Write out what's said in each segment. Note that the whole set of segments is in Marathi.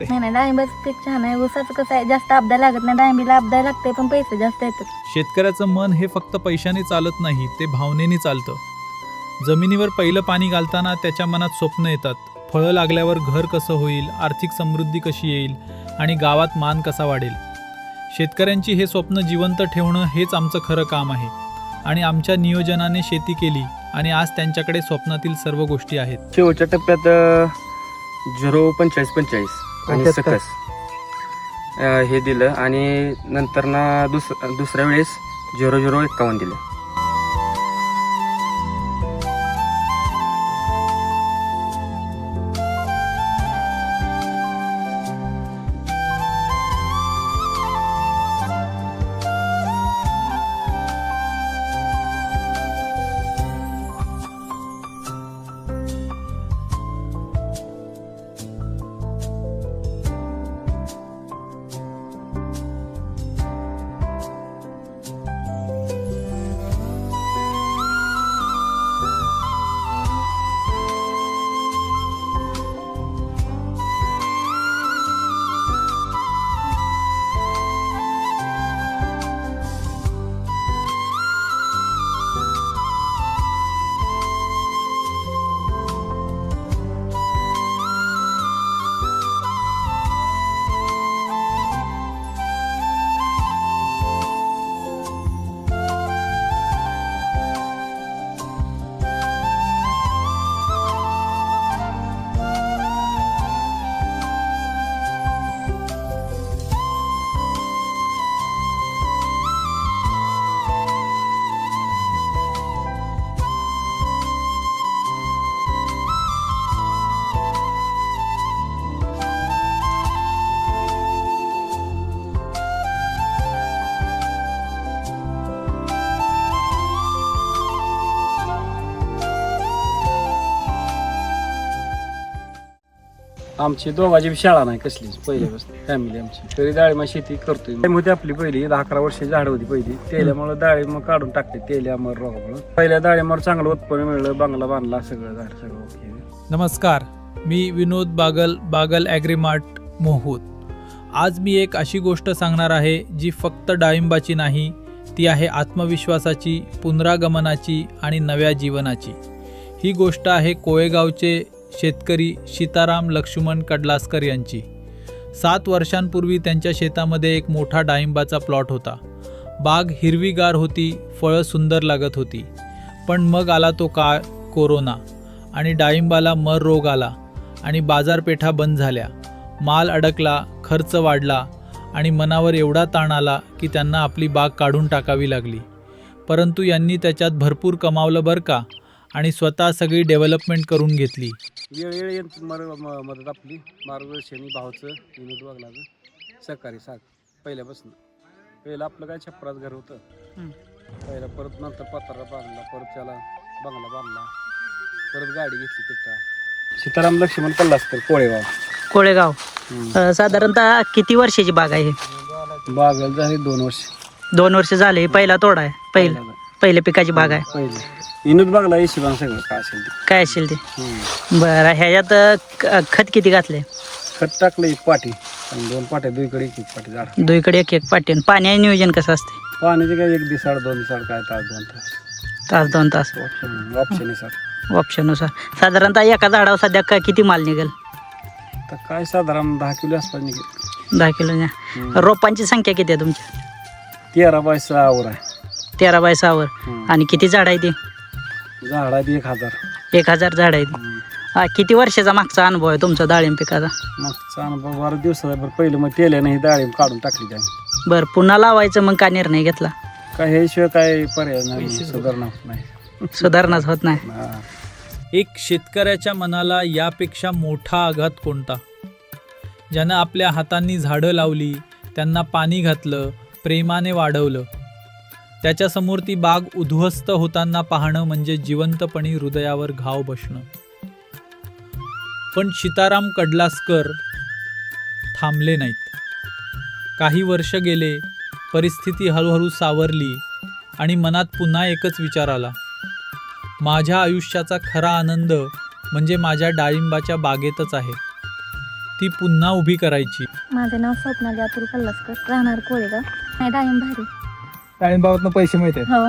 नाही नाही, डाळिंबाचं पीक छान आहे. ऊसाचं कसं आहे, जास्त आपदा लागत नाही. डाळिंबीला आपदा लागते पण पैसे जास्त येतात. शेतकऱ्याचं मन हे फक्त पैशाने चालत नाही, ते भावनेने चालतं. जमिनीवर पहिलं पाणी घालताना त्याच्या मनात स्वप्न येतात. फळं लागल्यावर घर कसं होईल, आर्थिक समृद्धी कशी येईल आणि गावात मान कसा वाढेल. शेतकऱ्यांची हे स्वप्न जिवंत ठेवणं हेच आमचं खरं काम आहे. आणि आमच्या नियोजनाने शेती केली आणि आज त्यांच्याकडे स्वप्नातील सर्व गोष्टी आहेत. शेवटच्या टप्प्यात 04545 आणि सकस हे दिलं आणि नंतर ना दुसऱ्या वेळेस 0051 दिलं. आमची दोघाची शाळा नाही कसलीच पहिल्यापासून फॅमिली आमची तरी डाळिंब शेती करतोय. होती आपली पहिली 10-11 वर्षाची झाड होती पहिली. तेल्यामुळे डाळिंब काढून टाकते तेल्यामुळे रोगामुळे. पहिल्या डाळिंबावर चांगलं उत्पन्न मिळलं, बंगला बांधला, सगळं झाड सगळं ओके. नमस्कार, मी विनोद बागल, बागल ॲग्रीमार्ट मोहूद. आज मी एक अशी गोष्ट सांगणार आहे जी फक्त डाळिंबाची नाही, ती आहे आत्मविश्वासाची, पुनरागमनाची आणि नव्या जीवनाची. ही गोष्ट आहे कोळेगावचे शेतकरी सीताराम लक्ष्मण कडलासकर यांची. 7 वर्षांपूर्वी त्यांच्या शेतामध्ये एक मोठा डाळिंबाचा प्लॉट होता. बाग हिरवीगार होती, फळं सुंदर लागत होती. पण मग आला तो काळ, कोरोना, आणि डाळिंबाला मर रोग आला आणि बाजारपेठा बंद झाल्या. माल अडकला, खर्च वाढला आणि मनावर एवढा ताण आला की त्यांना आपली बाग काढून टाकावी लागली. परंतु यांनी त्याच्यात भरपूर कमावलं बरं का, आणि स्वतः सगळी डेव्हलपमेंट करून घेतली. वेळ मदत आपली मार्गदर्शनी भावचं विनोद वागलाचं सहकारी साथ पहिल्यापासून. पहिलं आपलं काय छप्परात घर होतं पहिला, परत नंतर पत्रा बांधला, परत त्याला बंगला बांधला, परत गाडी घेतली तिथं. सीताराम लक्ष्मण कडलासकर कोळेगाव. साधारणतः किती वर्षाची बाग आहे? बाग झाली 2 वर्ष. 2 वर्ष झाले. पहिला तोडा आहे, पहिल्या पिकाची बाग आहे. पहिले विनोद बागला हिशोबान सगळं काय असेल ते. बरं, ह्याच्यात खत किती घातले? खत टाकलं 1 पाटी आणि 2 पाट्या, दुईकडे 1 पाटी झाड. दुईकडे 1 पाटी. पाणी नियोजन कसं असते? पाण्याचे काय 1 दिवसाड 2 दिवसाड काय तास 2 तास ऑप्शनुसार. ऑप्शनुसार. साधारणतः एका झाडावर सध्या किती माल निघेल? तर काय साधारण 10 किलो आसपास निघेल. 10 किलो. रोपांची संख्या किती आहे तुमची? 13 बाय 6 वर आहे. 13 बाय 6 वर. आणि किती झाड आहे ती? झाड आहे 1000. 1000 झाड आहे ती. किती वर्षाचा मागचा अनुभव आहे तुमचा डाळिंब पिकाचा? मागचा अनुभव 12 दिवसाचा. बरं पहिलं मग तेल्याने ही डाळिंब काढून टाकली त्याने. बरं, पुन्हा लावायचं मग का निर्णय घेतला? काय ह्याशिवाय काय पर्याय नाही, सुधारणा होत नाही. सुधारणाच होत नाही. एक शेतकऱ्याच्या मनाला यापेक्षा मोठा आघात कोणता? ज्यानं आपल्या हातांनी झाडं लावली, त्यांना पाणी घातलं, प्रेमाने वाढवलं. त्याच्यासमोर ती बाग उद्ध्वस्त होताना पाहणं म्हणजे जिवंतपणी हृदयावर घाव बसणं. पण सीताराम कडलासकर थांबले नाहीत. काही वर्ष गेले, परिस्थिती हळूहळू सावरली आणि मनात पुन्हा एकच विचार आला, माझ्या आयुष्याचा खरा आनंद म्हणजे माझ्या डाळिंबाच्या बागेतच आहे. ती पुन्हा उभी करायची. माझं नाव स्वप्नाली अतुल कल्लासकर, राहणार कोळेगाव. नाही डाळिंब भारी. डाळिंबावरनं पैसे मिळतात. हो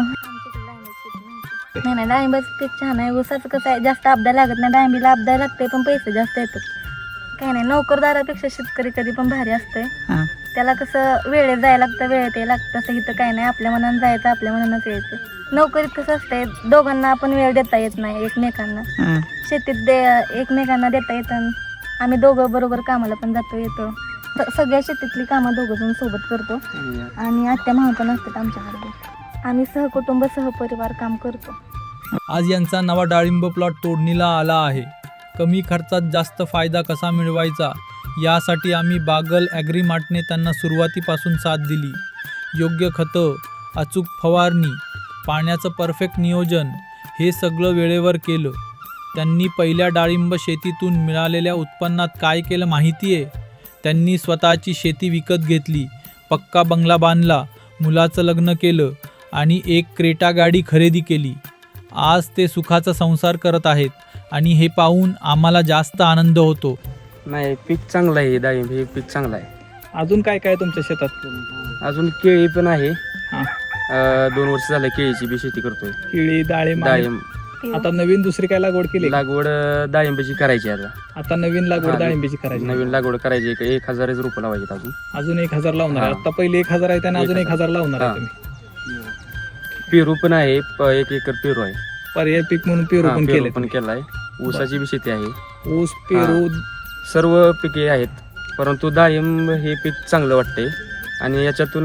नाही डाळिंबाचं पीक छान आहे. ऊसाचं कसं आहे, जास्त आपदा लागत नाही. डाळिंबीला आपदा लागते पण पैसे जास्त येतात. काही नाही, नोकरदारापेक्षा शेतकरी कधी पण भारी असतंय. हां. त्याला कसं वेळेत जायला लागतं, वेळेत यायला लागतं. तसं इथं काही नाही, आपल्या मनानं जायचं, आपल्या मनानंच यायचं. नोकरीत कसं असतंय, दोघांना आपण वेळ देता येत नाही एकमेकांना. हां. शेतीत एकमेकांना देता येतं. आम्ही दोघं बरोबर कामाला पण जातो येतो. सगळ्या शेतीतली कामं दोघं जण सोबत करतो. आणि आत्या मामा पण असतात आमच्याकडे. आम्ही सहकुटुंब सहपरिवार काम करतो. आज यांचा नवा डाळिंब प्लॉट तोडणीला आला आहे. कमी खर्चात जास्त फायदा कसा मिळवायचा यासाठी आम्ही बागल ॲग्रीमार्टने त्यांना सुरुवातीपासून साथ दिली. योग्य खतं, अचूक फवारणी, पाण्याचं परफेक्ट नियोजन हे सगळं वेळेवर केलं. त्यांनी पहिल्या डाळिंब शेतीतून मिळालेल्या उत्पन्नात काय केलं माहिती आहे? त्यांनी स्वतःची शेती विकत घेतली, पक्का बंगला बांधला, मुलाचं लग्न केलं आणि एक क्रेटा गाडी खरेदी केली. आज ते सुखाचा संसार करत आहेत आणि हे पाहून आम्हाला जास्त आनंद होतो. नाही, पीक चांगलं आहे. डाळिंब हे पीक चांगलं आहे. अजून काय काय तुमच्या शेतात? अजून केळी पण आहे. हां. 2 वर्ष झालं केळीची बी शेती करतोय. केळी, डाळिंब. डाळिंब आता नवीन दुसरी काय लागवड केली? लागवड डाळिंबीची करायची आता. आता नवीन लागवड हां. डाळिंबीची करायची. नवीन लागवड करायची. 1000 रुपये लावायचे अजून. अजून 1000 लावणार आहे. हां. आता पहिले 1000 आहे त्याने अजून 1000 लावणार आहे हां. तुम्ही. पेरू पण आहे. 1 एकर पेरू आहे. पर्याय पीक म्हणून पेरू हां, पण पेरू केले. पण केलाय. ऊसाची बी शेती आहे. ऊस, पेरू. सर्व पिके आहेत. परंतु डाळिंब हे पीक चांगलं वाटते आणि याच्यातून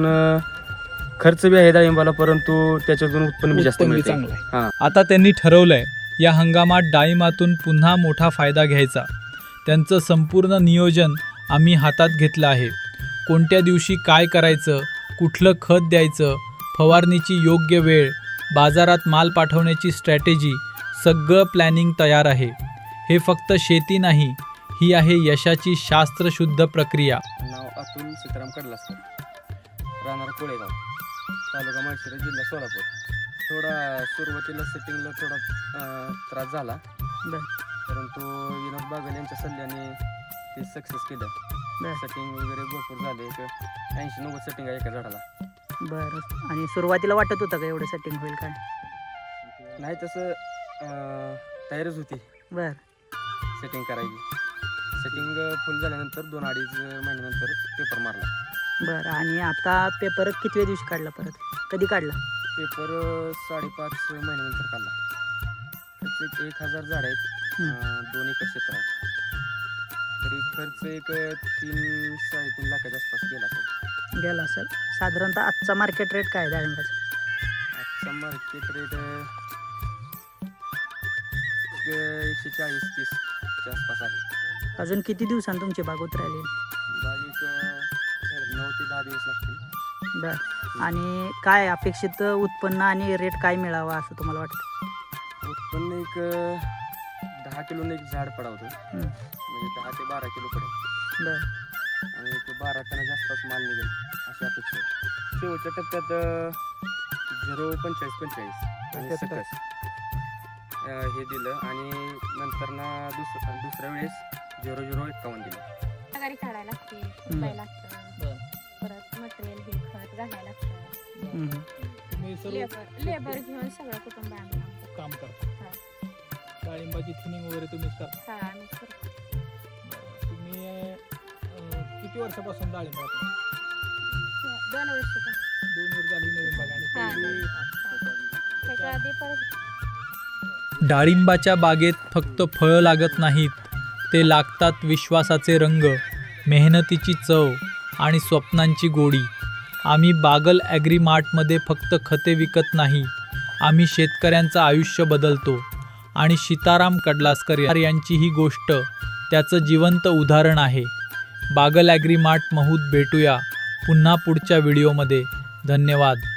खर्च बी आहे डाळिंबाला, परंतु त्याच्यातून उत्पन्न बी जास्त उत्पन्न बी मिळते. चांगलं आहे. हां. आता त्यांनी ठरवलंय या हंगामात डाळिंबातून पुन्हा मोठा फायदा घ्यायचा. त्यांचं संपूर्ण नियोजन आम्ही हातात घेतलं आहे. कोणत्या दिवशी काय करायचं, कुठलं खत द्यायचं, फवारणीची योग्य वेळ, बाजारात माल पाठवण्याची स्ट्रॅटेजी, सगळं प्लॅनिंग तयार आहे. हे फक्त शेती नाही, ही आहे यशाची शास्त्रशुद्ध प्रक्रिया. नाव अतुल सीताराम कडलासकर, राहणार कोळेगाव, तालुका माळशिरस, जिल्हा सोलापूर. थोडा सुरुवातीला सेटिंगला थोडा त्रास झाला, परंतु विनोद बागल यांच्या सल्ल्याने ते सक्सेस केलं. सेटिंग वगैरे भरपूर झाले. 80-90 सेटिंग आहे एका झाडाला. बरं. आणि सुरुवातीला वाटत होतं का एवढं सेटिंग होईल काय? नाही, तसं तयारच होती बरं. सेटिंग करायची. सेटिंग फुल झाल्यानंतर 2-2.5 महिन्यानंतर पेपर मारला. बरं. आणि आता पेपर कितव्या दिवशी काढला परत? कधी काढला? पेपर 5.5 महिन्यानंतर काढला. त्याचे 1000 झाड आहेत. 2 एकर क्षेत्र आहे. तरी खर्च 3-3.5 लाखाच्या आसपास गेला असेल. गेला असेल. साधारणतः आजचा मार्केट रेट काय आहे डाळिंबाचा? आजचा मार्केट रेट 140-30च्या आसपास आहे. अजून किती दिवसांनी तुमची बाग उतरायली? बाग 9 ते 10 दिवस लागतील. बरं. आणि काय अपेक्षित उत्पन्न आणि रेट काय मिळावा असं तुम्हाला वाटतं? उत्पन्न 10 किलोने एक झाड पडावतो. म्हणजे 10 ते 12 किलो पडेल. बरं. आणि 12 टनाच्या आसपास माल निघेल अशी अपेक्षा आहे. शेवटच्या टप्प्यात 0.45 आणि सकस हे दिलं आणि नंतर ना दुसऱ्या वेळेस 0.51 दिलं. गाडी काढायला लागते, उचलायला लागतं, परत मटेरियल हे खत घालायला लागतं. तुम्ही लेबर घेऊन सगळं कुटुंब आम्ही काम करता. डाळिंबाची थिनिंग वगैरे तुम्हीच करता. तुम्ही किती वर्षापासून डाळिंब लावता? 2 वर्ष 2 वर्ष झाली नवीन बाग. आणि त्याच्या आधी परत डाळिंबाच्या बागेत फक्त फळं लागत नाहीत, ते लागतात विश्वासाचे रंग, मेहनतीची चव आणि स्वप्नांची गोडी. आम्ही बागल ॲग्रीमार्टमध्ये फक्त खते विकत नाही, आम्ही शेतकऱ्यांचं आयुष्य बदलतो. आणि सीताराम कडलासकर यांची ही गोष्ट त्याचं जिवंत उदाहरण आहे. बागल ॲग्रीमार्ट महूत भेटूया पुन्हा पुढच्या व्हिडिओमध्ये. धन्यवाद.